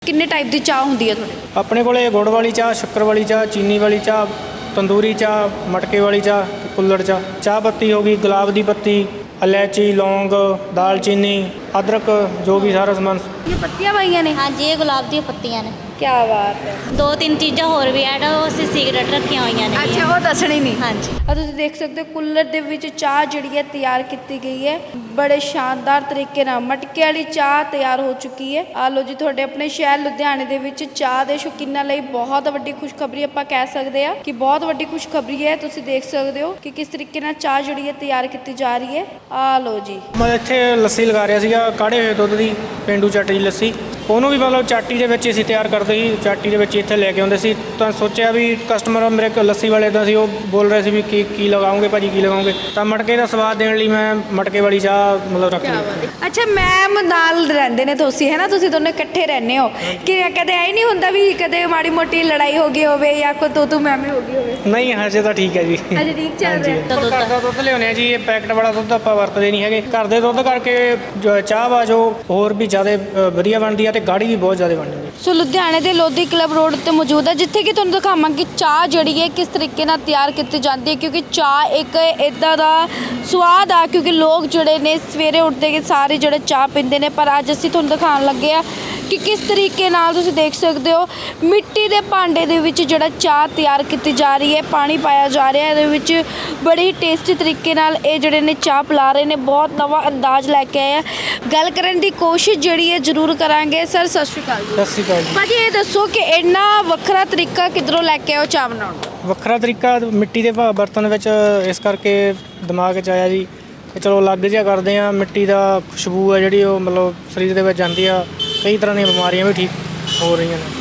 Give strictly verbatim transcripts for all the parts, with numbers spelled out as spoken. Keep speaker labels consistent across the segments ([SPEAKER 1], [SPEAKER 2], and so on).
[SPEAKER 1] किन्ने टाइप की चाह होंदी है थोड़े
[SPEAKER 2] अपने कोले गुड़ वाली चाह, शक्कर वाली चाह, चीनी वाली चाह, तंदूरी चाह, मटके वाली चाह, कुल्लड़ चाह, चाह पत्ती होगी, गुलाब की पत्ती, इलायची, लौंग, दालचीनी, अदरक, जो भी सारा समान।
[SPEAKER 1] ये पत्तियां पाइयां ने।
[SPEAKER 3] हाँ जी, ये गुलाब दी पत्तियां ने।
[SPEAKER 1] क्या बात है।
[SPEAKER 3] दो तीन चीज़ां होर भी ऐड ਉਹ ਅਸੀਂ ਸਿਗਰਟ ਰੱਖੀਆਂ ਹੋਈਆਂ ਨੇ।
[SPEAKER 1] अच्छा वो दसनी नहीं।
[SPEAKER 3] हाँ जी।
[SPEAKER 1] और तुम देख सकते हो कुल्लर ਦੇ ਵਿੱਚ ਚਾਹ ਜਿਹੜੀ ਹੈ ਤਿਆਰ ਕੀਤੀ ਗਈ ਹੈ ਬੜੇ ਸ਼ਾਨਦਾਰ ਤਰੀਕੇ ਨਾਲ ਮਟਕੇ ਵਾਲੀ ਚਾਹ ਤਿਆਰ ਹੋ ਚੁੱਕੀ ਹੈ। ਆ ਲੋ ਜੀ ਤੁਹਾਡੇ ਆਪਣੇ ਸ਼ਹਿਰ ਲੁਧਿਆਣੇ ਦੇ ਵਿੱਚ ਚਾਹ ਦੇ ਸ਼ੌਕੀਨਾਂ ਲਈ ਬਹੁਤ ਵੱਡੀ ਖੁਸ਼ਖਬਰੀ ਆਪਾਂ ਕਹਿ ਸਕਦੇ ਆ ਕਿ ਬਹੁਤ ਵੱਡੀ ਖੁਸ਼ਖਬਰੀ ਹੈ। ਤੁਸੀਂ ਦੇਖ ਸਕਦੇ ਹੋ ਕਿ ਕਿਸ ਤਰੀਕੇ ਨਾਲ ਚਾਹ ਜਿਹੜੀ ਹੈ ਤਿਆਰ ਕੀਤੀ ਜਾ ਰਹੀ ਹੈ। ਆ ਲੋ ਜੀ
[SPEAKER 2] ਮੈਂ ਇੱਥੇ ਲੱਸੀ ਲਗਾ ਰਿਹਾ ਸੀਗਾ, ਕਾੜੇ ਹੋਏ ਦੁੱਧ ਦੀ ਪੇਂਡੂ ਚਾਟੀ ਦੀ ਲੱਸੀ। ਉਹਨੂੰ ਵੀ ਮਤਲਬ ਚਾਟੀ ਦੇ ਵਿੱਚ ਅਸੀਂ ਤਿਆਰ ਕਰਦੇ ਸੀ, ਚਾਟੀ ਦੇ ਵਿੱਚ ਇੱਥੇ ਲੈ ਕੇ ਆਉਂਦੇ ਸੀ। ਤਾਂ ਸੋਚਿਆ ਵੀ ਕਸਟਮਰ ਮੇਰੇ ਕੋਲ ਲੱਸੀ ਵਾਲੇ ਦਾ ਸੀ, ਉਹ ਬੋਲ ਰਹੇ ਸੀ ਵੀ ਕੀ ਕੀ ਲਗਾਓਗੇ ਭਾਜੀ, ਕੀ ਲਗਾਓਗੇ। ਤਾਂ ਮਟਕੇ ਦਾ ਸਵਾਦ ਦੇਣ ਲਈ ਮੈਂ ਮਟਕੇ ਵਾਲੀ ਚਾਹ ਮਤਲਬ ਰੱਖ ਲਈ।
[SPEAKER 1] ਅੱਛਾ ਮੈਮ ਨਾਲ ਰਹਿੰਦੇ ਨੇ ਤੁਸੀਂ ਹੈ ਨਾ, ਤੁਸੀਂ ਦੋਨੇ ਇਕੱਠੇ ਰਹਿੰਦੇ ਹੋ ਕਿ ਕਦੇ ਐ ਨਹੀਂ ਹੁੰਦਾ ਵੀ ਕਦੇ ਮਾੜੀ ਮੋਟੀ ਲੜਾਈ ਹੋ ਗਈ ਹੋਵੇ ਜਾਂ ਕੋਈ ਤੂੰ ਤੂੰ ਮੈਂ ਮੈਂ ਹੋ ਗਈ ਹੋਵੇ?
[SPEAKER 2] ਨਹੀਂ ਹਜੇ ਤਾਂ ਠੀਕ ਹੈ ਜੀ।
[SPEAKER 1] ਅਜੇ ਠੀਕ ਚੱਲ ਰਿਹਾ।
[SPEAKER 2] ਘਰ ਦਾ ਦੁੱਧ ਲਿਆਉਂਦੇ ਆ ਜੀ, ਇਹ ਪੈਕਟ ਵਾਲਾ ਦੁੱਧ ਆਪਾਂ ਵਰਤਦੇ ਨਹੀਂ ਹੈਗੇ। ਘਰ ਦੇ ਦੁੱਧ ਕਰਕੇ ਜੋ ਚਾਹ ਵਾ ਜੋ ਹੋਰ ਵੀ ਜ਼ਿਆਦਾ ਅ, ਵਧੀਆ ਬਣਦੀ ਆ ਤੇ ਗਾੜੀ ਵੀ ਬਹੁਤ ਜ਼ਿਆਦਾ ਬਣਦੀ ਹੈ।
[SPEAKER 1] ਸੋ ਲੁਧਿਆਣੇ ਦੇ ਲੋਧੀ ਕਲੱਬ ਰੋਡ ਤੇ ਮੌਜੂਦ ਹੈ ਜਿੱਥੇ ਕਿ ਤੁਹਾਨੂੰ ਦਿਖਾਵਾਂਗੇ ਚਾਹ ਜਿਹੜੀ ਹੈ ਕਿਸ ਤਰੀਕੇ ਨਾਲ ਤਿਆਰ ਕੀਤੀ ਜਾਂਦੀ ਹੈ, ਕਿਉਂਕਿ ਚਾਹ ਇੱਕ ਇੱਦਾਂ ਦਾ ਸਵਾਦ ਆ ਕਿਉਂਕਿ ਲੋਕ ਜਿਹੜੇ ਨੇ ਸਵੇਰੇ ਉੱਠਦੇ ਕੇ ਸਾਰੇ ਜਿਹੜੇ ਚਾਹ ਪੀਂਦੇ ਨੇ। ਪਰ ਅੱਜ ਅਸੀਂ ਤੁਹਾਨੂੰ ਦਿਖਾਉਣ ਲੱਗੇ ਆ ਕਿ ਕਿਸ ਤਰੀਕੇ ਨਾਲ ਤੁਸੀਂ ਦੇਖ ਸਕਦੇ ਹੋ ਮਿੱਟੀ ਦੇ ਭਾਂਡੇ ਦੇ ਵਿੱਚ ਜਿਹੜਾ ਚਾਹ ਤਿਆਰ ਕੀਤੀ ਜਾ ਰਹੀ ਹੈ, ਪਾਣੀ ਪਾਇਆ ਜਾ ਰਿਹਾ ਇਹਦੇ ਵਿੱਚ। ਬੜੀ ਟੇਸਟੀ ਤਰੀਕੇ ਨਾਲ ਇਹ ਜਿਹੜੇ ਨੇ ਚਾਹ ਪਿਲਾ ਰਹੇ ਨੇ, ਬਹੁਤ ਨਵਾਂ ਅੰਦਾਜ਼ ਲੈ ਕੇ ਆਏ ਆ। ਗੱਲ ਕਰਨ ਦੀ ਕੋਸ਼ਿਸ਼ ਜਿਹੜੀ ਹੈ ਜ਼ਰੂਰ ਕਰਾਂਗੇ। ਸਰ ਸਤਿ ਸ਼੍ਰੀ ਅਕਾਲ ਜੀ।
[SPEAKER 2] ਸਤਿ ਸ਼੍ਰੀ ਅਕਾਲ ਜੀ।
[SPEAKER 1] ਭਾਜੀ ਇਹ ਦੱਸੋ ਕਿ ਇੰਨਾ ਵੱਖਰਾ ਤਰੀਕਾ ਕਿੱਧਰੋਂ ਲੈ ਕੇ ਆਓ ਚਾਹ ਬਣਾਉਣ ਦਾ?
[SPEAKER 2] ਵੱਖਰਾ ਤਰੀਕਾ ਮਿੱਟੀ ਦੇ ਭਾ- ਬਰਤਨ ਵਿੱਚ ਇਸ ਕਰਕੇ ਦਿਮਾਗ 'ਚ ਆਇਆ ਜੀ ਕਿ ਚਲੋ ਅਲੱਗ ਜਿਹਾ ਕਰਦੇ ਆ। ਮਿੱਟੀ ਦਾ ਖੁਸ਼ਬੂ ਹੈ ਜਿਹੜੀ ਉਹ ਮਤਲਬ ਸਰੀਰ ਦੇ ਵਿੱਚ ਜਾਂਦੀ ਆ, ਕਈ ਤਰ੍ਹਾਂ ਦੀਆਂ ਬਿਮਾਰੀਆਂ ਵੀ ਠੀਕ ਹੋ ਰਹੀਆਂ ਨੇ।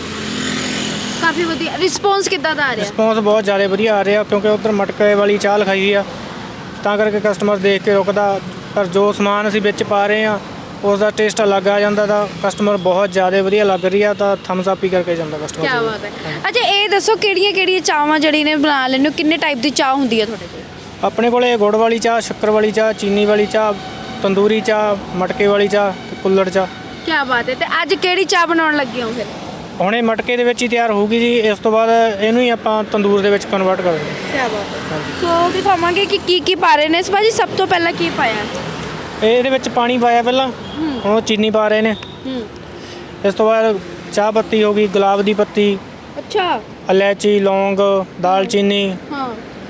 [SPEAKER 1] ਕਾਫੀ ਵਧੀਆ ਰਿਸਪੌਂਸ ਕਿੱਦਾਂ ਦਾ ਆ ਰਿਹਾ?
[SPEAKER 2] ਰਿਸਪੌਂਸ ਬਹੁਤ ਜ਼ਿਆਦਾ ਵਧੀਆ ਆ ਰਿਹਾ ਕਿਉਂਕਿ ਉੱਧਰ ਮਟਕੇ ਵਾਲੀ ਚਾਹ ਲਿਖਾਈ ਆ, ਤਾਂ ਕਰਕੇ ਕਸਟਮਰ ਦੇਖ ਕੇ ਰੁਕਦਾ। ਪਰ ਜੋ ਸਮਾਨ ਅਸੀਂ ਵਿੱਚ ਪਾ ਰਹੇ ਆ ਉਸ ਦਾ ਟੇਸਟ ਅਲੱਗ ਆ ਜਾਂਦਾ, ਤਾਂ ਕਸਟਮਰ ਬਹੁਤ ਜ਼ਿਆਦਾ ਵਧੀਆ ਲੱਗ ਰਹੀ ਆ, ਤਾਂ ਥਮਸ ਅਪ ਹੀ ਕਰਕੇ ਜਾਂਦਾ ਕਸਟਮਰ।
[SPEAKER 1] ਕੀ ਬਾਤ ਹੈ। ਅੱਛਾ ਇਹ ਦੱਸੋ ਕਿਹੜੀਆਂ ਕਿਹੜੀਆਂ ਚਾਹਾਂ ਜਿਹੜੀ ਨੇ ਬਣਾ ਲੈਂਦੇ ਹੋ? ਕਿੰਨੇ ਟਾਈਪ ਦੀ ਚਾਹ ਹੁੰਦੀ ਹੈ ਤੁਹਾਡੇ ਕੋਲ?
[SPEAKER 2] ਆਪਣੇ ਕੋਲੇ ਗੁੜ ਵਾਲੀ ਚਾਹ, ਸ਼ੱਕਰ ਵਾਲੀ ਚਾਹ, ਚੀਨੀ ਵਾਲੀ ਚਾਹ, ਤੰਦੂਰੀ ਚਾਹ, ਮਟਕੇ ਵਾਲੀ ਚਾਹ ਤੇ ਕੁੱਲੜ ਚਾਹ।
[SPEAKER 1] ਕੀ ਬਾਤ ਹੈ। ਤੇ ਅੱਜ ਕਿਹੜੀ ਚਾਹ ਬਣਾਉਣ ਲੱਗੇ ਹੋ ਫਿਰ?
[SPEAKER 2] ਹੁਣ ਇਹ ਮਟਕੇ ਦੇ ਵਿੱਚ ਹੀ ਤਿਆਰ ਹੋਊਗੀ ਜੀ, ਇਸ ਤੋਂ ਬਾਅਦ ਇਹਨੂੰ ਹੀ ਆਪਾਂ ਤੰਦੂਰ ਦੇ ਵਿੱਚ ਕਨਵਰਟ ਕਰਾਂਗੇ।
[SPEAKER 1] ਕੀ ਬਾਤ ਹੈ। ਸੋ ਦਿਖਾਵਾਂਗੇ ਕਿ ਕੀ ਕੀ ਪਾ ਰਹੇ ਨੇ ਇਸ ਭਾਜੀ। ਸਭ ਤੋਂ ਪਹਿਲਾਂ ਕੀ ਪਾਇਆ?
[SPEAKER 2] ਇਹ ਇਹਦੇ ਵਿੱਚ ਪਾਣੀ ਪਾਇਆ ਪਹਿਲਾਂ, ਹੁਣ ਉਹ ਚੀਨੀ ਪਾ ਰਹੇ ਨੇ।
[SPEAKER 1] ਹੂੰ
[SPEAKER 2] ਇਸ ਤੋਂ ਬਾਅਦ ਚਾਹ ਪੱਤੀ ਹੋ ਗਈ, ਗੁਲਾਬ ਦੀ ਪੱਤੀ,
[SPEAKER 1] ਅੱਛਾ
[SPEAKER 2] ਇਲਾਇਚੀ, ਲੌਂਗ, ਦਾਲਚੀਨੀ,
[SPEAKER 1] ਹਾਂ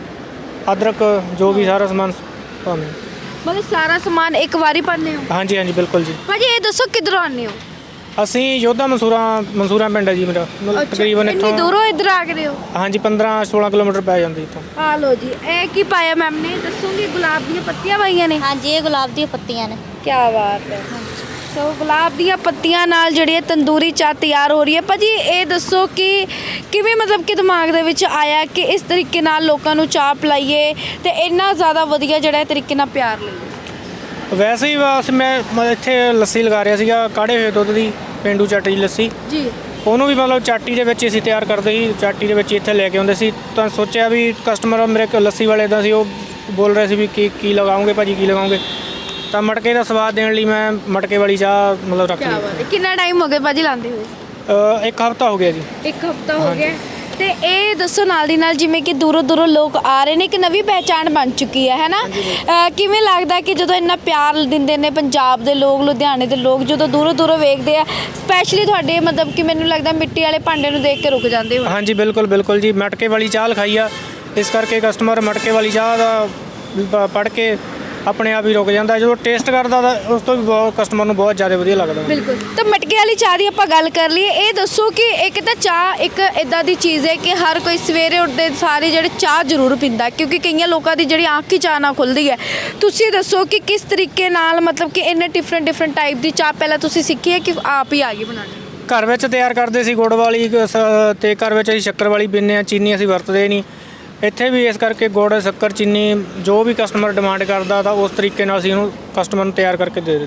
[SPEAKER 2] ਅਦਰਕ, ਜੋ ਵੀ ਸਾਰਾ ਸਮਾਨ ਪਾਉਂਦੇ।
[SPEAKER 1] ਮਤਲਬ ਸਾਰਾ ਸਮਾਨ ਇੱਕ ਵਾਰੀ ਪਾਉਂਦੇ ਹੋ?
[SPEAKER 2] ਹਾਂਜੀ ਹਾਂਜੀ ਬਿਲਕੁਲ ਜੀ।
[SPEAKER 1] ਭਾਜੀ ਇਹ ਦੱਸੋ ਕਿੱਧਰੋਂ ਆਉਂਦੇ ਹੋ?
[SPEAKER 2] ਅਸੀਂ ਯੋਧਾ ਮਨਸੂਰਾ ਮਨਸੂਰਾ ਪਿੰਡ ਹੈ ਜੀ ਮੇਰਾ, ਮਤਲਬ ਤਕਰੀਬਨ
[SPEAKER 1] ਇੰਨੀ
[SPEAKER 2] ਇੱਥੋਂ
[SPEAKER 1] ਦੂਰੋਂ ਇੱਧਰ ਆ ਗਏ ਹੋ?
[SPEAKER 2] ਹਾਂਜੀ ਪੰਦਰਾਂ ਸੋਲਾਂ ਕਿਲੋਮੀਟਰ ਪੈ ਜਾਂਦੀ ਇੱਥੋਂ।
[SPEAKER 1] ਆ ਲੋ ਜੀ ਇਹ ਕੀ ਪਾਇਆ ਮੈਮ ਨੇ? ਦੱਸੋਗੇ ਗੁਲਾਬ ਦੀਆਂ ਪੱਤੀਆਂ ਪਾਈਆਂ ਨੇ।
[SPEAKER 3] हाँ जी, ये गुलाब दी पत्तियां ने।
[SPEAKER 1] ਕੀ ਬਾਤ ਹੈ। ਸੋ ਗੁਲਾਬ ਦੀਆਂ ਪੱਤੀਆਂ ਨਾਲ ਜਿਹੜੀ ਹੈ ਤੰਦੂਰੀ ਚਾਹ ਤਿਆਰ ਹੋ ਰਹੀ ਹੈ। ਭਾਜੀ ਇਹ ਦੱਸੋ ਕਿ ਕਿਵੇਂ ਮਤਲਬ ਕਿ ਦਿਮਾਗ ਦੇ ਵਿੱਚ ਆਇਆ ਕਿ ਇਸ ਤਰੀਕੇ ਨਾਲ ਲੋਕਾਂ ਨੂੰ ਚਾਹ ਪਿਲਾਈਏ ਤੇ ਇੰਨਾ ਜ਼ਿਆਦਾ ਵਧੀਆ ਜਿਹੜਾ ਤਰੀਕੇ ਨਾਲ ਪਿਆਰ ਲਈਏ?
[SPEAKER 2] ਵੈਸੇ ਹੀ ਬਸ ਮੈਂ ਮੈਂ ਇੱਥੇ ਲੱਸੀ ਲਗਾ ਰਿਹਾ ਸੀਗਾ, ਕਾੜੇ ਹੋਏ ਦੁੱਧ ਦੀ ਪੇਂਡੂ ਚਾਟੀ ਦੀ ਲੱਸੀ।
[SPEAKER 1] ਜੀ
[SPEAKER 2] ਉਹਨੂੰ ਵੀ ਮਤਲਬ ਚਾਟੀ ਦੇ ਵਿੱਚ ਅਸੀਂ ਤਿਆਰ ਕਰਦੇ ਸੀ, ਚਾਟੀ ਦੇ ਵਿੱਚ ਇੱਥੇ ਲੈ ਕੇ ਆਉਂਦੇ ਸੀ। ਤਾਂ ਸੋਚਿਆ ਵੀ ਕਸਟਮਰ ਮੇਰੇ ਕੋਲ ਲੱਸੀ ਵਾਲੇ ਦਾ ਸੀ, ਉਹ ਬੋਲ ਰਹੇ ਸੀ ਵੀ ਕੀ ਕੀ ਲਗਾਓਗੇ ਭਾਜੀ, ਕੀ ਲਗਾਓਗੇ। ਤਾਂ ਮਟਕੇ ਦਾ ਸਵਾਦ ਦੇਣ ਲਈ ਮੈਂ ਮਟਕੇ ਵਾਲੀ ਚਾਹ ਮਤਲਬ ਰੱਖ
[SPEAKER 1] ਕੀ
[SPEAKER 2] ਲਈ।
[SPEAKER 1] ਬਾਤ ਹੈ। ਕਿੰਨਾ ਟਾਈਮ ਹੋ ਗਿਆ ਭਾਜੀ ਲਾਉਂਦੇ ਹੋਏ?
[SPEAKER 2] ਅ, ਇੱਕ ਹਫ਼ਤਾ ਹੋ ਗਿਆ ਜੀ।
[SPEAKER 1] ਇੱਕ ਹਫਤਾ ਹੋ ਗਿਆ। ਤੇ ਇਹ ਦੱਸੋ ਨਾਲ ਦੀ ਨਾਲ ਜਿਵੇਂ ਕਿ ਦੂਰੋਂ ਦੂਰੋਂ ਲੋਕ ਆ ਰਹੇ ਨੇ, ਇੱਕ ਨਵੀਂ ਪਹਿਚਾਣ ਬਣ ਚੁੱਕੀ ਹੈ ਹੈ ਨਾ? ਅ, ਕਿਵੇਂ ਲੱਗਦਾ ਕਿ ਜਦੋਂ ਇੰਨਾ ਪਿਆਰ ਦਿੰਦੇ ਨੇ ਪੰਜਾਬ ਦੇ ਲੋਕ, ਲੁਧਿਆਣੇ ਦੇ ਲੋਕ ਜਦੋਂ ਦੂਰੋਂ ਦੂਰੋਂ ਵੇਖਦੇ ਆ, ਸਪੈਸ਼ਲੀ ਤੁਹਾਡੇ ਮਤਲਬ ਕਿ ਮੈਨੂੰ ਲੱਗਦਾ ਮਿੱਟੀ ਵਾਲੇ ਭਾਂਡੇ ਨੂੰ ਦੇਖ ਕੇ ਰੁਕ ਜਾਂਦੇ ਹੋ?
[SPEAKER 2] ਹਾਂਜੀ ਬਿਲਕੁਲ ਬਿਲਕੁਲ ਜੀ, ਮਟਕੇ ਵਾਲੀ ਚਾਹ ਲਿਖਾਈ ਆ, ਇਸ ਕਰਕੇ ਕਸਟਮਰ ਮਟਕੇ ਵਾਲੀ ਚਾਹ ਦਾ ਪੜ੍ਹ ਕੇ ਆਪਣੇ ਆਪ ਹੀ ਰੁਕ ਜਾਂਦਾ। ਜਦੋਂ ਟੇਸਟ ਕਰਦਾ ਤਾਂ ਉਸ ਤੋਂ ਵੀ ਬਹੁਤ ਕਸਟਮਰ ਨੂੰ ਬਹੁਤ ਜ਼ਿਆਦਾ ਵਧੀਆ ਲੱਗਦਾ।
[SPEAKER 1] ਬਿਲਕੁਲ। ਤਾਂ ਮਟਕੇ ਵਾਲੀ ਚਾਹ ਦੀ ਆਪਾਂ ਗੱਲ ਕਰ ਲਈਏ, ਇਹ ਦੱਸੋ ਕਿ ਇੱਕ ਤਾਂ ਚਾਹ ਇੱਕ ਇਦਾਂ ਦੀ ਚੀਜ਼ ਹੈ ਕਿ ਹਰ ਕੋਈ ਸਵੇਰੇ ਉੱਠਦੇ ਸਾਰੇ ਜਿਹੜੇ ਚਾਹ ਜ਼ਰੂਰ ਪੀਂਦਾ, ਕਿਉਂਕਿ ਕਈਆਂ ਲੋਕਾਂ ਦੀ ਜਿਹੜੀ ਅੱਖ ਹੀ ਚਾਹ ਨਾਲ ਖੁੱਲ੍ਹਦੀ ਹੈ। ਤੁਸੀਂ ਦੱਸੋ ਕਿ ਕਿਸ ਤਰੀਕੇ ਨਾਲ ਮਤਲਬ ਕਿ ਇੰਨੇ ਡਿਫਰੈਂਟ ਡਿਫਰੈਂਟ ਟਾਈਪ ਦੀ ਚਾਹ ਪਹਿਲਾਂ ਤੁਸੀਂ ਸਿੱਖੀ ਹੈ ਕਿ ਆਪ ਹੀ ਆ ਗਈ ਬਣਾਉਣੀ?
[SPEAKER 2] ਘਰ ਵਿੱਚ ਤਿਆਰ ਕਰਦੇ ਸੀ ਗੁੜ ਵਾਲੀ ਸ- ਤੇ ਘਰ ਵਿੱਚ ਅਸੀਂ ਸ਼ੱਕਰ ਵਾਲੀ ਪੀਂਦੇ ਹਾਂ, ਚੀਨੀ ਅਸੀਂ ਵਰਤਦੇ ਨਹੀਂ। ਇੱਥੇ ਵੀ ਇਸ ਕਰਕੇ ਗੁੜ, ਸ਼ੱਕਰ, ਚੀਨੀ ਜੋ ਵੀ ਕਸਟਮਰ ਡਿਮਾਂਡ ਕਰਦਾ ਤਾਂ ਉਸ ਤਰੀਕੇ ਨਾਲ ਅਸੀਂ ਉਹਨੂੰ ਕਸਟਮਰ ਨੂੰ ਤਿਆਰ ਕਰਕੇ ਦੇ ਦਿੰਦੇ।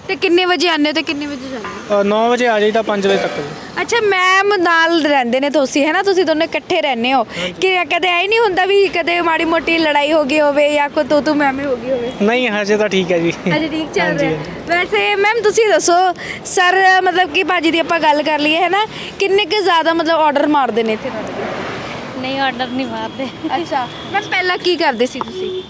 [SPEAKER 1] ਤੇ ਕਿੰਨੇ ਵਜੇ ਆਉਂਦੇ ਹੋ ਤੇ ਕਿੰਨੇ ਵਜੇ ਜਾਂਦੇ ਹੋ?
[SPEAKER 2] ਨੌ ਵਜੇ ਆ ਜਾਈਦਾ ਪੰਜ ਵਜੇ ਤੱਕ ਜੀ।
[SPEAKER 1] ਅੱਛਾ ਮੈਮ ਨਾਲ ਰਹਿੰਦੇ ਨੇ ਤੁਸੀਂ ਹੈ ਨਾ, ਤੁਸੀਂ ਦੋਨੇ ਇਕੱਠੇ ਰਹਿੰਦੇ ਹੋ ਕਿ ਕਦੇ ਐ ਨਹੀਂ ਹੁੰਦਾ ਵੀ ਕਦੇ ਮਾੜੀ ਮੋਟੀ ਲੜਾਈ ਹੋ ਗਈ ਹੋਵੇ ਜਾਂ ਕੋਈ ਤੂੰ ਤੂੰ ਮੈਂ ਮੈਂ ਹੋ ਗਈ ਹੋਵੇ?
[SPEAKER 2] ਨਹੀਂ ਹਜੇ ਤਾਂ ਠੀਕ ਹੈ ਜੀ।
[SPEAKER 1] ਅਜੇ ਠੀਕ ਚੱਲ
[SPEAKER 2] ਹਾਂਜੀ,
[SPEAKER 1] ਰਿਹਾ। ਵੈਸੇ ਮੈਮ ਤੁਸੀਂ ਦੱਸੋ ਸਰ, ਮਤਲਬ ਕਿ ਭਾਜੀ ਦੀ ਆਪਾਂ ਗੱਲ ਕਰ ਲਈਏ ਹੈ ਨਾ, ਕਿੰਨੇ ਕੁ ਜ਼ਿਆਦਾ ਮਤਲਬ ਆਰਡਰ ਮਾਰਦੇ ਨੇ ਇੱਥੇ ਤੁਹਾਡੇ ਕੋਲ?
[SPEAKER 3] ਨਹੀਂ ਆਰਡਰ ਨਹੀਂ ਮਾਰਦੇ।
[SPEAKER 1] ਅੱਛਾ ਮੈਮ ਪਹਿਲਾਂ ਕੀ ਕਰਦੇ ਸੀ ਤੁਸੀਂ?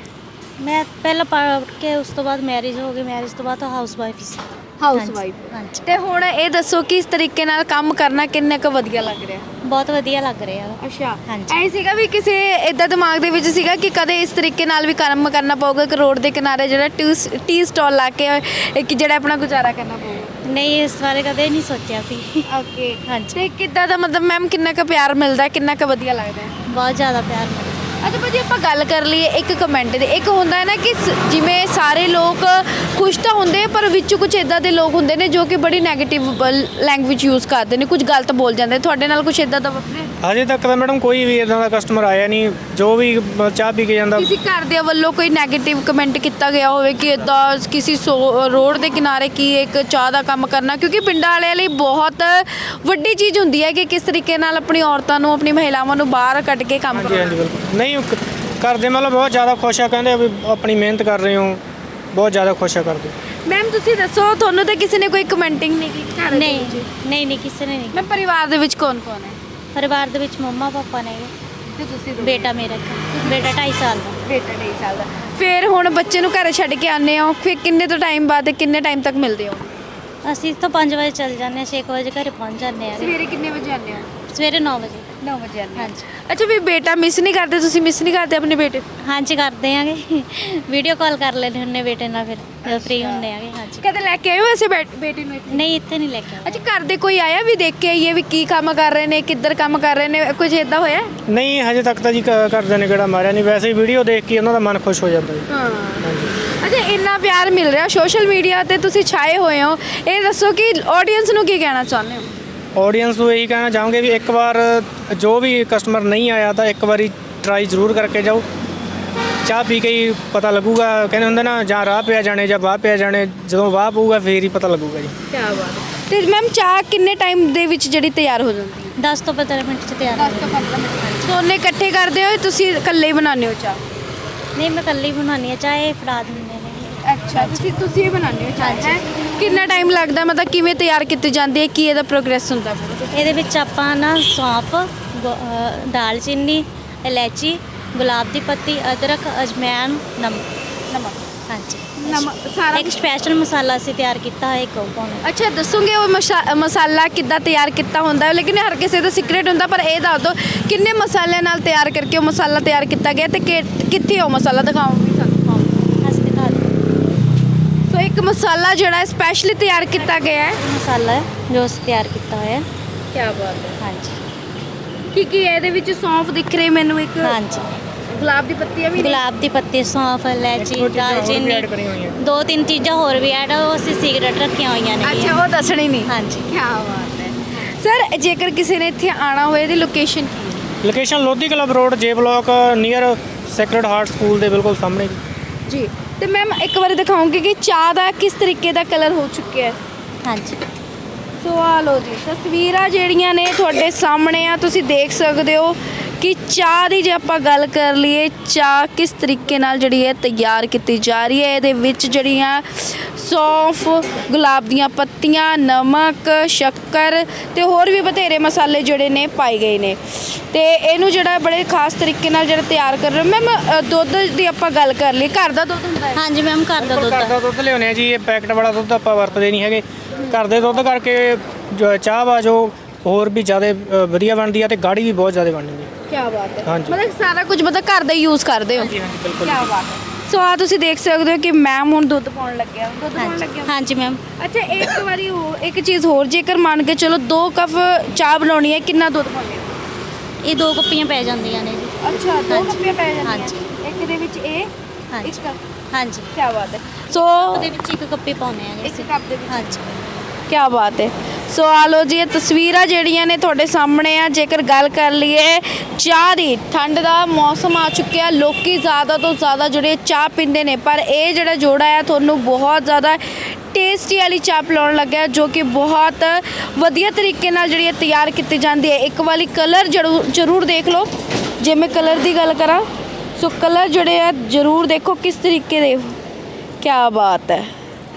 [SPEAKER 3] ਮੈਂ ਪਹਿਲਾਂ ਪੜ੍ਹ ਕੇ ਉਸ ਤੋਂ ਬਾਅਦ ਮੈਰਿਜ ਹੋ ਗਈ, ਮੈਰਿਜ ਤੋਂ ਬਾਅਦ ਹਾਊਸ ਵਾਈਫ ਸੀ।
[SPEAKER 1] ਹਾਊਸ
[SPEAKER 3] ਹਾਂਜੀ,
[SPEAKER 1] ਵਾਈਫ।
[SPEAKER 3] ਹਾਂਜੀ।
[SPEAKER 1] ਤੇ ਹੁਣ ਇਹ ਦੱਸੋ ਕਿ ਇਸ ਤਰੀਕੇ ਨਾਲ ਕੰਮ ਕਰਨਾ ਕਿੰਨਾ ਕੁ ਵਧੀਆ ਲੱਗ ਰਿਹਾ?
[SPEAKER 3] ਬਹੁਤ ਵਧੀਆ ਲੱਗ ਰਿਹਾ ਵਾ।
[SPEAKER 1] ਅੱਛਾ
[SPEAKER 3] ਹਾਂਜੀ।
[SPEAKER 1] ਐ ਸੀਗਾ ਵੀ ਕਿਸੇ ਇਦਾਂ ਦਿਮਾਗ ਦੇ ਵਿੱਚ ਸੀਗਾ ਕਿ ਕਦੇ ਇਸ ਤਰੀਕੇ ਨਾਲ ਵੀ ਕੰਮ ਕਰਨਾ ਪਊਗਾ ਕਿ ਰੋਡ ਦੇ ਕਿਨਾਰੇ ਜਿਹੜਾ ਟੀ ਟੀ ਸਟਾਲ ਲਾ ਕੇ ਇੱਕ ਜਿਹੜਾ ਆਪਣਾ ਗੁਜ਼ਾਰਾ ਕਰਨਾ ਪਊਗਾ?
[SPEAKER 3] ਨਹੀਂ ਇਸ ਬਾਰੇ ਕਦੇ ਨਹੀਂ ਸੋਚਿਆ ਸੀ।
[SPEAKER 1] ਓਕੇ
[SPEAKER 3] ਹਾਂਜੀ।
[SPEAKER 1] ਤੇ ਕਿੱਦਾਂ ਦਾ ਮਤਲਬ ਮੈਮ ਕਿੰਨਾ ਕੁ ਪਿਆਰ ਮਿਲਦਾ, ਕਿੰਨਾ ਕੁ ਵਧੀਆ ਲੱਗਦਾ ਹੈ?
[SPEAKER 3] ਬਹੁਤ ਜ਼ਿਆਦਾ ਪਿਆਰ ਮਿਲਦਾ।
[SPEAKER 1] ਅੱਛਾ ਭਾਜੀ ਆਪਾਂ ਗੱਲ ਕਰ ਲਈਏ ਇੱਕ ਕਮੈਂਟ ਦੀ, ਇੱਕ ਹੁੰਦਾ ਹੈ ਨਾ ਕਿ ਸ- ਜਿਵੇਂ ਸਾਰੇ ਲੋਕ ਖੁਸ਼ ਤਾਂ ਹੁੰਦੇ ਪਰ ਵਿੱਚ ਕੁਝ ਇਦਾਂ ਦੇ ਲੋਕ ਹੁੰਦੇ ਨੇ ਜੋ ਕਿ ਬੜੀ 네ਗੇਟਿਵ ਲੈਂਗੁਏਜ ਯੂਜ਼ ਕਰਦੇ ਨੇ, ਕੁਝ ਗਲਤ ਬੋਲ ਜਾਂਦੇ। ਤੁਹਾਡੇ ਨਾਲ ਕੁਝ ਇਦਾਂ ਦਾ ਵਾਪਰਿਆ?
[SPEAKER 2] ਹਜੇ ਤੱਕ ਤਾਂ ਮੈਡਮ ਕੋਈ ਵੀ ਇਦਾਂ ਦਾ ਕਸਟਮਰ ਆਇਆ ਨਹੀਂ ਜੋ ਵੀ ਮ- ਚਾਹ ਪੀ ਕੇ ਜਾਂਦਾ।
[SPEAKER 1] ਕਿਸੇ ਘਰ ਦੇ ਵੱਲੋਂ ਕੋਈ 네ਗੇਟਿਵ ਕਮੈਂਟ ਕੀਤਾ ਗਿਆ ਹੋਵੇ ਕਿ ਇਦਾਂ ਕਿਸੇ ਸੋ- ਰੋਡ ਦੇ ਕਿਨਾਰੇ ਕੀ ਇੱਕ ਚਾਹ ਦਾ ਕੰਮ ਕਰਨਾ, ਕਿਉਂਕਿ ਪਿੰਡਾਂ ਵਾਲਿਆਂ ਲਈ ਬਹੁਤ ਵੱਡੀ ਚੀਜ਼ ਹੁੰਦੀ ਹੈ ਕਿ ਕਿਸ ਤਰੀਕੇ ਨਾਲ ਆਪਣੀ ਔਰਤਾਂ ਨੂੰ, ਆਪਣੀ ਮਹਿਲਾਵਾਂ ਨੂੰ ਬਾਹਰ ਕੱਢ ਕੇ ਕੰਮ
[SPEAKER 2] ਹਾਂਜੀ ਹਾਂਜੀ
[SPEAKER 1] ਕਰਨਾ।
[SPEAKER 2] ਬਿਲਕੁਲ। ਨਹੀਂ ਕ- ਕਰਦੇ ਮਤਲਬ ਬਹੁਤ ਜ਼ਿਆਦਾ ਖੁਸ਼ ਆ, ਕਹਿੰਦੇ ਵੀ ਆਪਣੀ ਮਿਹਨਤ ਕਰ ਰਹੇ ਹੋ, ਬਹੁਤ ਜ਼ਿਆਦਾ ਖੁਸ਼ ਆ ਕਰਦੇ।
[SPEAKER 1] ਮੈਮ ਤੁਸੀਂ ਦੱਸੋ ਤੁਹਾਨੂੰ ਤਾਂ ਕਿਸੇ ਨੇ ਕੋਈ ਕਮੈਂਟਿੰਗ ਨਹੀਂ ਕੀਤੀ ਘਰ ਦੇ
[SPEAKER 3] ਨਹੀਂ
[SPEAKER 1] ਵਿੱਚ?
[SPEAKER 3] ਨਹੀਂ ਨਹੀਂ ਕਿਸੇ ਨੇ ਨਹੀਂ।
[SPEAKER 1] ਮੈਂ ਪਰਿਵਾਰ ਦੇ ਵਿੱਚ ਕੌਣ ਕੌਣ ਹੈ?
[SPEAKER 3] ਪਰਿਵਾਰ ਦੇ ਵਿੱਚ ਮੰਮਾ ਪਾਪਾ ਨੇ,
[SPEAKER 1] ਤੇ ਤੁਸੀਂ
[SPEAKER 3] ਬੇਟਾ ਮੇਰਾ ਇੱਕ, ਬੇਟਾ ਢਾਈ ਸਾਲ ਦਾ।
[SPEAKER 1] ਬੇਟਾ ਨਹੀਂ ਚੱਲਦਾ। ਫਿਰ ਹੁਣ ਬੱਚੇ ਨੂੰ ਘਰੇ ਛੱਡ ਕੇ ਆਉਂਦੇ ਹੋ, ਫਿਰ ਕਿੰਨੇ ਤੋਂ ਟਾਈਮ ਬਾਅਦ ਕਿੰਨੇ ਟਾਈਮ ਤੱਕ ਮਿਲਦੇ ਹੋ?
[SPEAKER 3] ਅਸੀਂ ਤਾਂ ਪੰਜ ਵਜੇ ਚੱਲ ਜਾਂਦੇ ਹਾਂ, ਛੇ ਕੁ ਵਜੇ ਘਰੇ ਪਹੁੰਚ ਜਾਂਦੇ ਹਾਂ।
[SPEAKER 1] ਸਵੇਰੇ ਕਿੰਨੇ ਵਜੇ ਆਉਂਦੇ ਹੋ?
[SPEAKER 3] ਸਵੇਰੇ ਨੌ ਵਜੇ।
[SPEAKER 1] ਨੌ ਵਜੇ ਆਉਂਦੇ ਹੋ।
[SPEAKER 3] ਹਾਂਜੀ।
[SPEAKER 1] ਅੱਛਾ ਵੀ ਬੇਟਾ ਮਿਸ ਨਹੀਂ ਕਰਦੇ, ਤੁਸੀਂ ਮਿਸ ਨਹੀਂ ਕਰਦੇ ਆਪਣੇ ਬੇਟੇ?
[SPEAKER 3] ਹਾਂਜੀ ਕਰਦੇ ਆਂਗੇ, ਵੀਡੀਓ ਕਾਲ ਕਰ ਲੈਂਦੇ ਹੁੰਨੇ ਬੇਟੇ ਨਾਲ ਫਿਰ ਜਦੋਂ ਫ੍ਰੀ ਹੁੰਦੇ ਆਂਗੇ। ਹਾਂਜੀ।
[SPEAKER 1] ਕਦੇ ਲੈ ਕੇ ਆਏ ਹੋ ਵੈਸੇ ਬੇ- ਬੇਟੇ ਨੂੰ ਇੱਥੇ?
[SPEAKER 3] ਨਹੀਂ ਇੱਥੇ ਨਹੀਂ ਲੈ ਕੇ ਆਏ।
[SPEAKER 1] ਅੱਛਾ ਘਰ ਦੇ ਕੋਈ ਆਇਆ ਵੀ ਦੇਖ ਕੇ ਆਈਏ ਵੀ ਕੀ ਕੰਮ ਕਰ ਰਹੇ ਨੇ, ਕਿੱਧਰ ਕੰਮ ਕਰ ਰਹੇ ਨੇ, ਕੁਝ ਇਦਾਂ ਹੋਇਆ?
[SPEAKER 2] ਨਹੀਂ ਹਜੇ ਤੱਕ ਤਾਂ ਜੀ ਕ- ਘਰਦਿਆਂ ਨੇ ਕਿਹੜਾ ਮਾਰਿਆ ਨਹੀਂ, ਵੈਸੇ ਹੀ ਵੀਡੀਓ ਦੇਖ ਕੇ ਉਹਨਾਂ ਦਾ ਮਨ ਖੁਸ਼ ਹੋ ਜਾਂਦਾ ਜੀ।
[SPEAKER 1] ਹਾਂ।
[SPEAKER 2] ਹਾਂਜੀ।
[SPEAKER 1] ਅੱਛਾ ਇੰਨਾ ਪਿਆਰ ਮਿਲ ਰਿਹਾ ਸੋਸ਼ਲ ਮੀਡੀਆ ਤੇ ਤੁਸੀਂ ਛਾਏ ਹੋਏ ਹੋ, ਇਹ ਦੱਸੋ ਕਿ ਆਡੀਅנס ਨੂੰ ਕੀ ਕਹਿਣਾ ਚਾਹੁੰਦੇ ਹੋ?
[SPEAKER 2] ਆਡੀਅנס ਨੂੰ ਇਹੀ ਕਹਿਣਾ ਚਾਹਾਂਗੇ ਵੀ ਇੱਕ ਵਾਰ ਜੋ ਵੀ ਕਸਟਮਰ ਨਹੀਂ ਆਇਆ ਤਾਂ ਇੱਕ ਵਾਰੀ ਟਰਾਈ ਜ਼ਰੂਰ ਕਰਕੇ ਜਾਓ। ਚਾਹ ਪੀ ਕੇ ਹੀ ਪਤਾ ਲੱਗੂਗਾ, ਕਹਿੰਦੇ ਹੁੰਦੇ ਨਾ ਜਾਂ ਰਾਹ ਪਿਆ ਜਾਣੇ ਜਾਂ ਵਾਹ ਪਿਆ ਜਾਣੇ, ਜਦੋਂ ਵਾਹ ਪਊਗਾ ਫੇਰ ਹੀ ਪਤਾ ਲੱਗੂਗਾ ਜੀ।
[SPEAKER 1] ਕੀ ਬਾਤ ਹੈ। ਤੇ ਮੈਮ ਚਾਹ ਕਿੰਨੇ ਟਾਈਮ ਦੇ ਵਿੱਚ ਜਿਹੜੀ ਤਿਆਰ ਹੋ ਜਾਂਦੀ ਹੈ?
[SPEAKER 3] ਦਸ ਤੋਂ ਪੰਦਰਾਂ ਮਿੰਟ 'ਚ ਤਿਆਰ ਹੋ ਜਾਂਦੀ।
[SPEAKER 1] ਪੰਦਰਾਂ ਮਿੰਟ। ਦੋਨੇ ਇਕੱਠੇ ਕਰਦੇ ਹੋ ਤੁਸੀਂ ਇਕੱਲੇ ਹੀ ਬਣਾਉਂਦੇ ਹੋ ਚਾਹ?
[SPEAKER 3] ਨਹੀਂ ਮੈਂ ਇਕੱਲੀ ਬਣਾਉਂਦੀ ਹਾਂ ਚਾਹ, ਇਹ ਫੜਾ ਦਿੰਦੇ ਨੇ।
[SPEAKER 1] ਅੱਛਾ ਤੁਸੀਂ ਤੁਸੀਂ ਹੀ ਬਣਾਉਂਦੇ ਹੋ ਚਾਹ?
[SPEAKER 3] ਹਾਂਜੀ।
[SPEAKER 1] ਹੈਂ? ਕਿੰਨਾ ਟਾਈਮ ਲੱਗਦਾ, ਮਤਲਬ ਕਿਵੇਂ ਤਿਆਰ ਕੀਤੀ ਜਾਂਦੀ ਹੈ, ਕੀ ਇਹਦਾ ਪ੍ਰੋਗਰੈਸ ਹੁੰਦਾ?
[SPEAKER 3] ਇਹਦੇ ਵਿੱਚ ਆਪਾਂ ਨਾ ਸੌਂਫ, ਗੋ- ਅ, ਦਾਲਚੀਨੀ, ਇਲਾਇਚੀ, ਗੁਲਾਬ ਦੀ ਪੱਤੀ, ਅਦਰਕ, ਅਜਮੈਨ, ਨਮਕ।
[SPEAKER 1] ਨਮਕ।
[SPEAKER 3] ਹਾਂਜੀ।
[SPEAKER 1] ਨਮਕ ਸਾਰਾ
[SPEAKER 3] ਇੱਕ ਸਪੈਸ਼ਲ ਮਸਾਲਾ ਅਸੀਂ ਤਿਆਰ ਕੀਤਾ ਹੈ, ਇੱਕ ਉਹ ਪਾਉਣਾ।
[SPEAKER 1] ਅੱਛਾ ਦੱਸੋਗੇ ਉਹ ਮਸ਼ਾ- ਮਸਾਲਾ ਕਿੱਦਾਂ ਤਿਆਰ ਕੀਤਾ ਹੁੰਦਾ ਹੈ? ਲੇਕਿਨ ਹਰ ਕਿਸੇ ਦਾ ਸੀਕ੍ਰੇਟ ਹੁੰਦਾ, ਪਰ ਇਹ ਦੱਸ ਦਿਓ ਕਿੰਨੇ ਮਸਾਲਿਆਂ ਨਾਲ ਤਿਆਰ ਕਰਕੇ ਉਹ ਮਸਾਲਾ ਤਿਆਰ ਕੀਤਾ ਗਿਆ ਤੇ ਕਿ- ਕਿੱਥੇ ਉਹ ਮਸਾਲਾ ਦਿਖਾਓਗੇ ਸਾਨੂੰ?
[SPEAKER 3] ਅਸੀਂ ਦਿਖਾ ਦਿੰਦੇ
[SPEAKER 1] ਸੋ ਇੱਕ ਮਸਾਲਾ ਜਿਹੜਾ ਸਪੈਸ਼ਲੀ ਤਿਆਰ ਕੀਤਾ ਗਿਆ ਹੈ।
[SPEAKER 3] ਹਾਂ। ਮਸਾਲਾ ਹੈ ਜੋ ਅਸੀਂ ਤਿਆਰ ਕੀਤਾ ਹੋਇਆ।
[SPEAKER 1] ਕੀ ਬਾਤ ਹੈ।
[SPEAKER 3] ਹਾਂਜੀ।
[SPEAKER 1] ਕੀ ਕੀ ਹੈ ਇਹਦੇ ਵਿੱਚ? ਸੌਂਫ ਦਿਖ ਰਹੀ ਮੈਨੂੰ, ਇੱਕ
[SPEAKER 3] ਹਾਂਜੀ।
[SPEAKER 1] ਗੁਲਾਬ ਦੀ ਪੱਤੀਆਂ ਵੀ ਨੇ।
[SPEAKER 3] ਗੁਲਾਬ ਦੀ ਪੱਤੀ, ਸੌਂਫ, ਇਲਾਇਚੀ,
[SPEAKER 2] ਇੱਕ ਦੋ ਚੀਜ਼ਾਂ ਹੋਰ ਵੀ
[SPEAKER 3] ਦਾਲਚੀਨੀ,
[SPEAKER 2] ਐਡ ਕਰੀਆਂ ਹੋਈਆਂ।
[SPEAKER 3] ਦੋ ਤਿੰਨ ਚੀਜ਼ਾਂ ਹੋਰ ਵੀ ਐਡ ਉਹ ਅਸੀਂ ਸੀਕ੍ਰੇਟ ਰੱਖੀਆਂ ਹੋਈਆਂ ਨੇ।
[SPEAKER 1] ਅੱਛਾ ਉਹ ਦੱਸਣੀ ਨਹੀਂ।
[SPEAKER 3] ਹਾਂਜੀ।
[SPEAKER 1] ਕੀ ਬਾਤ ਹੈ। ਸਰ ਜੇਕਰ ਕਿਸੇ ਨੇ ਇੱਥੇ ਆਣਾ ਹੋਏ ਇਹਦੀ ਲੋਕੇਸ਼ਨ ਕੀ ਹੈ?
[SPEAKER 2] Location Lodhi club road J block near Sacred Heart school ਦੇ ਬਿਲਕੁਲ ਸਾਹਮਣੇ।
[SPEAKER 1] ਜੀ ਤੇ ਮੈਮ ਇੱਕ ਵਾਰੀ ਦਿਖਾਉਂਗੀ ਕਿ ਚਾਹ ਦਾ ਕਿਸ ਤਰੀਕੇ ਦਾ ਕਲਰ ਹੋ ਚੁੱਕਿਆ ਹੈ।
[SPEAKER 3] ਹਾਂਜੀ।
[SPEAKER 1] ਸੋ ਆ ਲਓ ਜੀ ਤਸਵੀਰਾਂ ਜਿਹੜੀਆਂ ਨੇ ਤੁਹਾਡੇ ਸਾਹਮਣੇ ਆ, ਤੁਸੀਂ ਦੇਖ ਸਕਦੇ ਹੋ ਕਿ ਚਾਹ ਦੀ ਜੇ ਆਪਾਂ ਗੱਲ ਕਰ ਲਈਏ, ਚਾਹ ਕਿਸ ਤਰੀਕੇ ਨਾਲ ਜਿਹੜੀ ਹੈ ਤਿਆਰ ਕੀਤੀ ਜਾ ਰਹੀ ਹੈ। ਇਹਦੇ ਵਿੱਚ ਜਿਹੜੀਆਂ ਸੌਂਫ, ਗੁਲਾਬ ਦੀਆਂ ਪੱਤੀਆਂ, ਨਮਕ, ਸ਼ੱਕਰ ਤੇ ਹੋਰ ਵੀ ਬਥੇਰੇ ਮਸਾਲੇ ਜਿਹੜੇ ਨੇ ਪਾਏ ਗਏ ਨੇ ਤੇ ਇਹਨੂੰ ਜਿਹੜਾ ਬੜੇ ਖਾਸ ਤਰੀਕੇ ਨਾਲ ਜਿਹੜਾ ਤਿਆਰ ਕਰ ਰਹੇ ਹੋ। ਮੈਮ ਦੁੱਧ ਦੀ ਆਪਾਂ ਗੱਲ ਕਰ ਲਈ, ਘਰ ਦਾ ਦੁੱਧ ਹੁੰਦਾ ਹੈ?
[SPEAKER 3] ਹਾਂਜੀ ਮੈਮ ਘਰ ਦਾ ਦੁੱਧ
[SPEAKER 2] ਘਰ ਦਾ
[SPEAKER 3] ਹੈ।
[SPEAKER 2] ਦੁੱਧ ਲਿਆਉਂਦੇ ਆ ਜੀ, ਇਹ ਪੈਕਟ ਵਾਲਾ ਦੁੱਧ ਆਪਾਂ ਵਰਤਦੇ ਨਹੀਂ ਹੈਗੇ। ਘਰ ਦੇ ਦੁੱਧ ਕਰਕੇ ਜੋ ਚਾਹ ਵਾ ਜੋ ਹੋਰ ਵੀ ਜ਼ਿਆਦਾ ਅ, ਵਧੀਆ ਬਣਦੀ ਆ ਤੇ ਗਾੜੀ ਵੀ ਬਹੁਤ ਜ਼ਿਆਦਾ ਬਣਦੀ ਹੈ।
[SPEAKER 1] ਕੀ ਬਾਤ ਹੈ।
[SPEAKER 2] ਹਾਂਜੀ।
[SPEAKER 1] ਮਤਲਬ ਸਾਰਾ ਕੁਝ ਮਤਲਬ ਘਰ ਦਾ ਯੂਜ਼ ਕਰਦੇ ਹੋ?
[SPEAKER 2] ਹਾਂਜੀ ਹਾਂਜੀ ਬਿਲਕੁਲ।
[SPEAKER 1] ਕੀ ਬਾਤ ਹੈ। ਸੋ ਆ ਤੁਸੀਂ ਦੇਖ ਸਕਦੇ ਹੋ ਕਿ ਮੈਮ ਹੁਣ ਦੁੱਧ ਪਾਉਣ ਲੱਗਿਆ, ਦੁੱਧ ਪਾਉਣ
[SPEAKER 3] ਹਾਂਜੀ।
[SPEAKER 1] ਲੱਗਿਆ।
[SPEAKER 3] ਹਾਂਜੀ ਮੈਮ।
[SPEAKER 1] ਅੱਛਾ ਇੱਕ ਵਾਰੀ ਹੋਰ ਇੱਕ ਚੀਜ਼ ਹੋਰ, ਜੇਕਰ ਮੰਨ ਕੇ ਚਲੋ ਦੋ ਕੱਪ ਚਾਹ ਬਣਾਉਣੀ ਹੈ, ਕਿੰਨਾ ਦੁੱਧ ਪਾਉਂਦੇ ਹੋ?
[SPEAKER 3] ਇਹ ਦੋ ਕੱਪੀਆਂ ਪੈ ਜਾਂਦੀਆਂ ਨੇ ਜੀ।
[SPEAKER 1] ਅੱਛਾ ਦੋ
[SPEAKER 3] ਹਾਂਜੀ।
[SPEAKER 1] ਕੱਪੀਆਂ ਪੈ ਜਾਂਦੀਆਂ।
[SPEAKER 3] ਹਾਂਜੀ।
[SPEAKER 1] ਇੱਕ ਦੇ ਵਿੱਚ ਇਹ
[SPEAKER 3] ਹਾਂਜੀ।
[SPEAKER 1] ਇੱਕ ਕੱਪ।
[SPEAKER 3] ਹਾਂਜੀ।
[SPEAKER 1] ਕੀ ਬਾਤ ਹੈ। ਸੋ
[SPEAKER 3] ਉਹਦੇ ਵਿੱਚ ਇੱਕ ਕੱਪੀ ਪਾਉਂਦੇ ਆ ਜੀ
[SPEAKER 1] ਇੱਕ
[SPEAKER 3] ਅਸੀਂ।
[SPEAKER 1] ਕੱਪ ਦੇ ਵਿੱਚ।
[SPEAKER 3] ਹਾਂਜੀ।
[SPEAKER 1] ਕੀ ਬਾਤ ਹੈ। ਸੋ ਆ ਲਓ ਜੀ ਇਹ ਤਸਵੀਰਾਂ ਜਿਹੜੀਆਂ ਨੇ ਤੁਹਾਡੇ ਸਾਹਮਣੇ ਆ। ਜੇਕਰ ਗੱਲ ਕਰ ਲਈਏ ਚਾਹ ਦੀ, ਠੰਡ ਦਾ ਮੌਸਮ ਆ ਚੁੱਕਿਆ, ਲੋਕੀ ਜ਼ਿਆਦਾ ਤੋਂ ਜ਼ਿਆਦਾ ਜਿਹੜੇ ਚਾਹ ਪੀਂਦੇ ਨੇ, ਪਰ ਇਹ ਜਿਹੜਾ ਜੋੜਾ ਆ ਤੁਹਾਨੂੰ ਬਹੁਤ ਜ਼ਿਆਦਾ ਟੇਸਟੀ ਵਾਲੀ ਚਾਹ ਪਿਲਾਉਣ ਲੱਗਾ ਹੈ, ਜੋ ਕਿ ਬਹੁਤ ਵਧੀਆ ਤਰੀਕੇ ਨਾਲ ਜਿਹੜੀ ਹੈ ਤਿਆਰ ਕੀਤੀ ਜਾਂਦੀ ਹੈ। ਇੱਕ ਵਾਲੀ ਕਲਰ ਜ਼ਰੂਰ ਜ਼ਰੂਰ ਦੇਖ ਲਓ। ਜੇ ਮੈਂ ਕਲਰ ਦੀ ਗੱਲ ਕਰਾਂ ਸੋ ਕਲਰ ਜਿਹੜੇ ਆ ਜ਼ਰੂਰ ਦੇਖੋ ਕਿਸ ਤਰੀਕੇ ਦੇ, ਕਿਆ ਬਾਤ ਹੈ।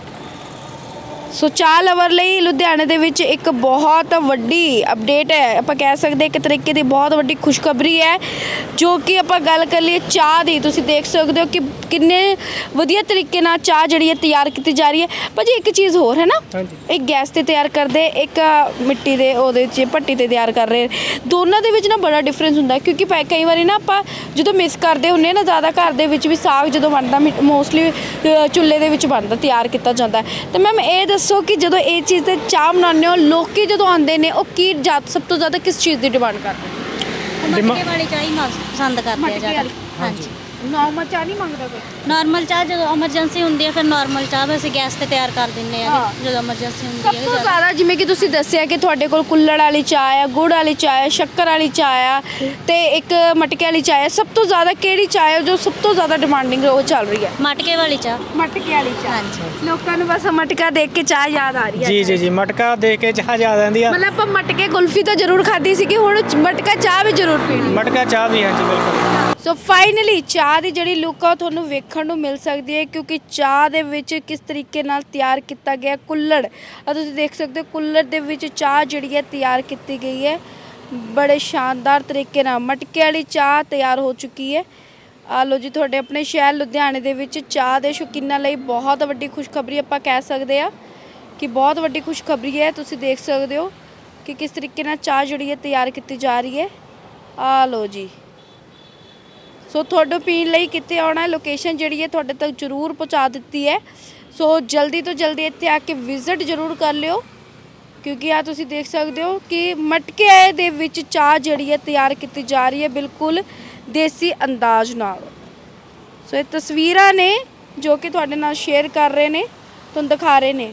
[SPEAKER 1] ਸੋ ਚਾਹ ਲਵਰ ਲਈ ਲੁਧਿਆਣੇ ਦੇ ਵਿੱਚ ਇੱਕ ਬਹੁਤ ਵੱਡੀ ਅਪਡੇਟ ਹੈ, ਆਪਾਂ ਕਹਿ ਸਕਦੇ ਇੱਕ ਤਰੀਕੇ ਦੀ ਬਹੁਤ ਵੱਡੀ ਖੁਸ਼ਖਬਰੀ ਹੈ। ਜੋ ਕਿ ਆਪਾਂ ਗੱਲ ਕਰ ਲਈਏ ਚਾਹ ਦੀ, ਤੁਸੀਂ ਦੇਖ ਸਕਦੇ ਹੋ ਕਿ ਕਿੰਨੇ ਵਧੀਆ ਤਰੀਕੇ ਨਾਲ ਚਾਹ ਜਿਹੜੀ ਹੈ ਤਿਆਰ ਕੀਤੀ ਜਾ ਰਹੀ ਹੈ। ਭਾਜੀ ਇੱਕ ਚੀਜ਼ ਹੋਰ ਹੈ ਨਾ,
[SPEAKER 2] ਹਾਂਜੀ
[SPEAKER 1] ਇੱਕ ਗੈਸ ਤੇ ਤਿਆਰ ਕਰਦੇ, ਇੱਕ ਮਿੱਟੀ ਦੇ ਉਹਦੇ 'ਚ ਭੱਟੀ ਤੇ ਤਿਆਰ ਕਰ ਰਹੇ, ਦੋਨਾਂ ਦੇ ਵਿੱਚ ਨਾ ਬੜਾ ਡਿਫਰੈਂਸ ਹੁੰਦਾ ਹੈ। ਕਿਉਂਕਿ ਪੈ- ਕਈ ਵਾਰੀ ਨਾ ਆਪਾਂ ਜਦੋਂ ਮਿਸ ਕਰਦੇ ਹੁੰਦੇ ਨਾ ਜ਼ਿਆਦਾ, ਘਰ ਦੇ ਵਿੱਚ ਵੀ ਸਾਗ ਜਦੋਂ ਬਣਦਾ ਮੋਸਟਲੀ ਚੁੱਲ੍ਹੇ ਦੇ ਵਿੱਚ ਬਣਦਾ, ਤਿਆਰ ਕੀਤਾ ਜਾਂਦਾ। ਤੇ ਮੈਮ ਇਹ ਦੱਸੋ ਕਿ ਜਦੋਂ ਇਹ ਚੀਜ਼ ਤੇ ਚਾਹ ਬਣਾਉਂਦੇ ਹੋ, ਲੋਕੀ ਜਦੋਂ ਆਉਂਦੇ ਨੇ ਉਹ ਕੀ ਜ਼ਿਆਦਾ ਸਭ ਤੋਂ ਜ਼ਿਆਦਾ ਕਿਸ ਚੀਜ਼ ਦੀ ਡਿਮਾਂਡ ਕਰਦੇ ਨੇ?
[SPEAKER 3] ਮਟਕੇ ਵਾਲੀ ਚਾਹ ਹੀ ਮ- ਪਸੰਦ ਕਰਦੇ ਆ
[SPEAKER 1] ਮਟਕੇ
[SPEAKER 3] ਜ਼ਿਆਦਾ।
[SPEAKER 1] ਵਾਲੀ।
[SPEAKER 3] ਹਾਂਜੀ
[SPEAKER 1] ਨੋਰਮਲ ਚਾਹ ਨਹੀਂ ਮੰਗਦਾ ਕੋਈ?
[SPEAKER 3] ਨਾਰਮਲ ਚਾਹ ਜਦੋਂ ਐਮਰਜੈਂਸੀ ਹੁੰਦੀ ਹੈ ਫਿਰ ਨਾਰਮਲ ਚਾਹ ਵੀ ਅਸੀਂ ਗੈਸ ਤੇ ਤਿਆਰ ਕਰ ਦਿੰਦੇ ਆ
[SPEAKER 1] ਹਾਂ।
[SPEAKER 3] ਜਦੋਂ ਐਮਰਜੈਂਸੀ ਹੁੰਦੀ
[SPEAKER 1] ਸਭ
[SPEAKER 3] ਹੈ
[SPEAKER 1] ਤੋਂ
[SPEAKER 3] ਜ਼ਿਆਦਾ।
[SPEAKER 1] ਜ਼ਿਆਦਾ ਜਿਵੇਂ ਕਿ ਤੁਸੀਂ ਦੱਸਿਆ ਕਿ ਤੁਹਾਡੇ ਕੋਲ ਕੁੱਲੜ ਵਾਲੀ ਚਾਹ ਆ, ਗੁੜ ਵਾਲੀ ਚਾਹ ਆ, ਸ਼ੱਕਰ ਵਾਲੀ ਚਾਹ ਆ ਤੇ ਇੱਕ ਮਟਕੇ ਵਾਲੀ ਚਾਹ ਆ, ਸਭ ਤੋਂ ਜ਼ਿਆਦਾ ਕਿਹੜੀ ਚਾਹ ਹੈ ਜੋ ਸਭ ਤੋਂ ਜ਼ਿਆਦਾ ਡਿਮਾਂਡਿੰਗ ਉਹ ਚੱਲ ਰਹੀ ਹੈ?
[SPEAKER 3] ਮਟਕੇ ਵਾਲੀ ਚਾਹ।
[SPEAKER 1] ਮਟਕੇ ਵਾਲੀ ਚਾਹ।
[SPEAKER 3] ਹਾਂਜੀ।
[SPEAKER 1] ਲੋਕਾਂ ਨੂੰ ਬਸ ਮਟਕਾ ਦੇਖ ਕੇ ਚਾਹ ਯਾਦ ਆ ਰਹੀ ਹੈ।
[SPEAKER 2] ਜੀ ਜੀ ਜੀ ਮਟਕਾ ਦੇਖ ਕੇ ਚਾਹ ਯਾਦ ਆਉਂਦੀ ਆ।
[SPEAKER 1] ਮਤਲਬ ਆਪਾਂ ਮਟਕੇ ਕੁਲਫੀ ਤਾਂ ਜ਼ਰੂਰ ਖਾਧੀ ਸੀ ਕਿ ਹੁਣ ਮਟਕਾ ਚਾਹ ਵੀ ਜ਼ਰੂਰ ਪੀਣੀ।
[SPEAKER 2] ਮਟਕਾ ਚਾਹ ਵੀ ਹਾਂਜੀ ਬਿਲਕੁਲ।
[SPEAKER 1] ਸੋ ਫਾਈਨਲੀ ਚਾਹ ਦੀ ਜਿਹੜੀ ਲੁੱਕ ਆ ਉਹ ਤੁਹਾਨੂੰ ਵੇਖਣ ਨੂੰ ਮਿਲ ਸਕਦੀ ਹੈ, ਕਿਉਂਕਿ ਚਾਹ ਦੇ ਵਿੱਚ ਕਿਸ ਤਰੀਕੇ ਨਾਲ ਤਿਆਰ ਕੀਤਾ ਗਿਆ ਕੁੱਲੜ ਆ ਤੁਸੀਂ ਦੇਖ ਸਕਦੇ ਹੋ। ਕੁੱਲੜ ਦੇ ਵਿੱਚ ਚਾਹ ਜਿਹੜੀ ਹੈ ਤਿਆਰ ਕੀਤੀ ਗਈ ਹੈ ਬੜੇ ਸ਼ਾਨਦਾਰ ਤਰੀਕੇ ਨਾਲ। ਮਟਕੇ ਵਾਲੀ ਚਾਹ ਤਿਆਰ ਹੋ ਚੁੱਕੀ ਹੈ। ਆ ਲਓ ਜੀ, ਤੁਹਾਡੇ ਆਪਣੇ ਸ਼ਹਿਰ ਲੁਧਿਆਣੇ ਦੇ ਵਿੱਚ ਚਾਹ ਦੇ ਸ਼ੌਕੀਨਾਂ ਲਈ ਬਹੁਤ ਵੱਡੀ ਖੁਸ਼ਖਬਰੀ ਆਪਾਂ ਕਹਿ ਸਕਦੇ ਆ ਕਿ ਬਹੁਤ ਵੱਡੀ ਖੁਸ਼ਖਬਰੀ ਹੈ। ਤੁਸੀਂ ਦੇਖ ਸਕਦੇ ਹੋ ਕਿ ਕਿਸ ਤਰੀਕੇ ਨਾਲ ਚਾਹ ਜਿਹੜੀ ਹੈ ਤਿਆਰ ਕੀਤੀ ਜਾ ਰਹੀ ਹੈ। ਆ ਲਓ ਜੀ, ਸੋ ਤੁਹਾਡੇ ਪੀਣ ਲਈ ਕਿੱਥੇ ਆਉਣਾ ਹੈ, ਲੋਕੇਸ਼ਨ ਜਿਹੜੀ ਹੈ ਤੁਹਾਡੇ ਤੱਕ ਜ਼ਰੂਰ ਪਹੁੰਚਾ ਦਿੱਤੀ ਹੈ। ਸੋ ਜਲਦੀ ਤੋਂ ਜਲਦੀ ਇੱਥੇ ਆ ਕੇ ਵਿਜ਼ਿਟ ਜ਼ਰੂਰ ਕਰ ਲਿਓ, ਕਿਉਂਕਿ ਆ ਤੁਸੀਂ ਦੇਖ ਸਕਦੇ ਹੋ ਕਿ ਮਟਕੇ ਦੇ ਵਿੱਚ ਚਾਹ ਜਿਹੜੀ ਹੈ ਤਿਆਰ ਕੀਤੀ ਜਾ ਰਹੀ ਹੈ ਬਿਲਕੁਲ ਦੇਸੀ ਅੰਦਾਜ਼ ਨਾਲ। ਸੋ ਇਹ ਤਸਵੀਰਾਂ ਨੇ ਜੋ ਕਿ ਤੁਹਾਡੇ ਨਾਲ ਸ਼ੇਅਰ ਕਰ ਰਹੇ ਨੇ, ਤੁਹਾਨੂੰ ਦਿਖਾ ਰਹੇ ਨੇ।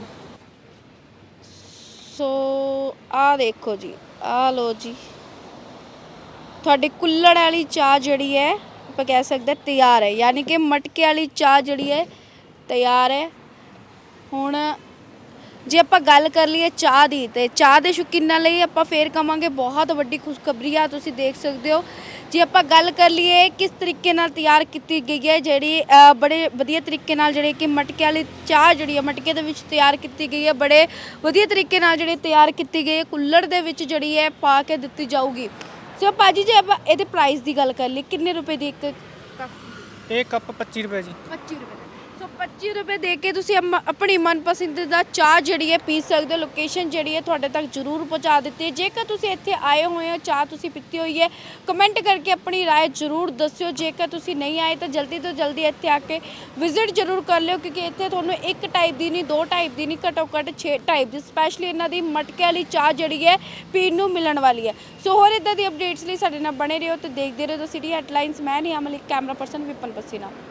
[SPEAKER 1] ਸੋ ਆ ਦੇਖੋ ਜੀ, ਆ ਲੋ ਜੀ, ਤੁਹਾਡੀ ਕੁੱਲੜ ਵਾਲੀ ਚਾਹ ਜਿਹੜੀ ਹੈ ਆਪਾਂ ਕਹਿ ਸਕਦੇ ਤਿਆਰ ਹੈ, ਯਾਨੀ ਕਿ ਮਟਕੇ ਵਾਲੀ ਚਾਹ ਜਿਹੜੀ ਹੈ ਤਿਆਰ ਹੈ। ਹੁਣ ਜੇ ਆਪਾਂ ਗੱਲ ਕਰ ਲਈਏ ਚਾਹ ਦੀ, ਤੇ ਚਾਹ ਦੇ ਸ਼ੌਕੀਨਾਂ ਲਈ ਆਪਾਂ ਫੇਰ ਕਵਾਂਗੇ ਬਹੁਤ ਵੱਡੀ ਖੁਸ਼ਖਬਰੀ ਆ। ਤੁਸੀਂ ਦੇਖ ਸਕਦੇ ਹੋ ਜੇ ਆਪਾਂ ਗੱਲ ਕਰ ਲਈਏ ਕਿਸ ਤਰੀਕੇ ਨਾਲ ਤਿਆਰ ਕੀਤੀ ਗਈ ਹੈ, ਜਿਹੜੀ ਅ, ਬੜੇ ਵਧੀਆ ਤਰੀਕੇ ਨਾਲ ਜਿਹੜੇ ਕਿ ਮਟਕੇ ਵਾਲੀ ਚਾਹ ਜਿਹੜੀ ਹੈ ਮਟਕੇ ਦੇ ਵਿੱਚ ਤਿਆਰ ਕੀਤੀ ਗਈ ਹੈ, ਬੜੇ ਵਧੀਆ ਤਰੀਕੇ ਨਾਲ ਜਿਹੜੀ ਤਿਆਰ ਕੀਤੀ ਗਈ ਹੈ, ਕੁੱਲੜ ਦੇ ਵਿੱਚ ਜਿਹੜੀ ਹੈ ਪਾ ਕੇ ਦਿੱਤੀ ਜਾਊਗੀ। ਸੋ ਭਾਜੀ ਜੇ ਆਪਾਂ ਇਹਦੇ ਪ੍ਰਾਈਸ ਦੀ ਗੱਲ ਕਰ ਲਈ, ਕਿੰਨੇ ਰੁਪਏ ਦੀ ਇੱਕ ਕੱਪ?
[SPEAKER 2] ਇਹ ਕੱਪ ਪੱਚੀ ਰੁਪਏ ਜੀ।
[SPEAKER 1] ਪੱਚੀ ਰੁਪਏ। ਸੋ ਪੱਚੀ ਰੁਪਏ ਦੇ ਕੇ ਤੁਸੀਂ ਅਮ- ਆਪਣੀ ਮਨਪਸੰਦ ਦਾ ਚਾਹ ਜਿਹੜੀ ਹੈ ਪੀ ਸਕਦੇ ਹੋ। ਲੋਕੇਸ਼ਨ ਜਿਹੜੀ ਹੈ ਤੁਹਾਡੇ ਤੱਕ ਜ਼ਰੂਰ ਪਹੁੰਚਾ ਦਿੱਤੀ ਹੈ। ਜੇਕਰ ਤੁਸੀਂ ਇੱਥੇ ਆਏ ਹੋਏ ਹੋ, ਚਾਹ ਤੁਸੀਂ ਪੀਤੀ ਹੋਈ ਹੈ, ਕਮੈਂਟ ਕਰਕੇ ਆਪਣੀ ਰਾਏ ਜ਼ਰੂਰ ਦੱਸਿਓ। ਜੇਕਰ ਤੁਸੀਂ ਨਹੀਂ ਆਏ ਤਾਂ ਜਲਦੀ ਤੋਂ ਜਲਦੀ ਇੱਥੇ ਆ ਕੇ ਵਿਜ਼ਿਟ ਜ਼ਰੂਰ ਕਰ ਲਿਓ, ਕਿਉਂਕਿ ਇੱਥੇ ਤੁਹਾਨੂੰ ਇੱਕ ਟਾਈਪ ਦੀ ਨਹੀਂ, ਦੋ ਟਾਈਪ ਦੀ ਨਹੀਂ, ਘੱਟੋ ਘੱਟ ਛੇ ਟਾਈਪ ਦੀ ਸਪੈਸ਼ਲੀ ਇਹਨਾਂ ਦੀ ਮਟਕੇ ਵਾਲੀ ਚਾਹ ਜਿਹੜੀ ਹੈ ਪੀਣ ਨੂੰ ਮਿਲਣ ਵਾਲੀ ਹੈ। ਸੋ ਹੋਰ ਇੱਦਾਂ ਦੀ ਅਪਡੇਟਸ ਲਈ ਸਾਡੇ ਨਾਲ ਬਣੇ ਰਹੋ ਤੇ ਦੇਖਦੇ ਰਹੋ ਸਿਟੀ ਹੈਡਲਾਈਨਸ। ਮੈਂ ਨਹੀਂ ਅਮਲੀ, ਕੈਮਰਾ ਪਰਸਨ ਵਿਪਨ ਪਸੀਨਾ।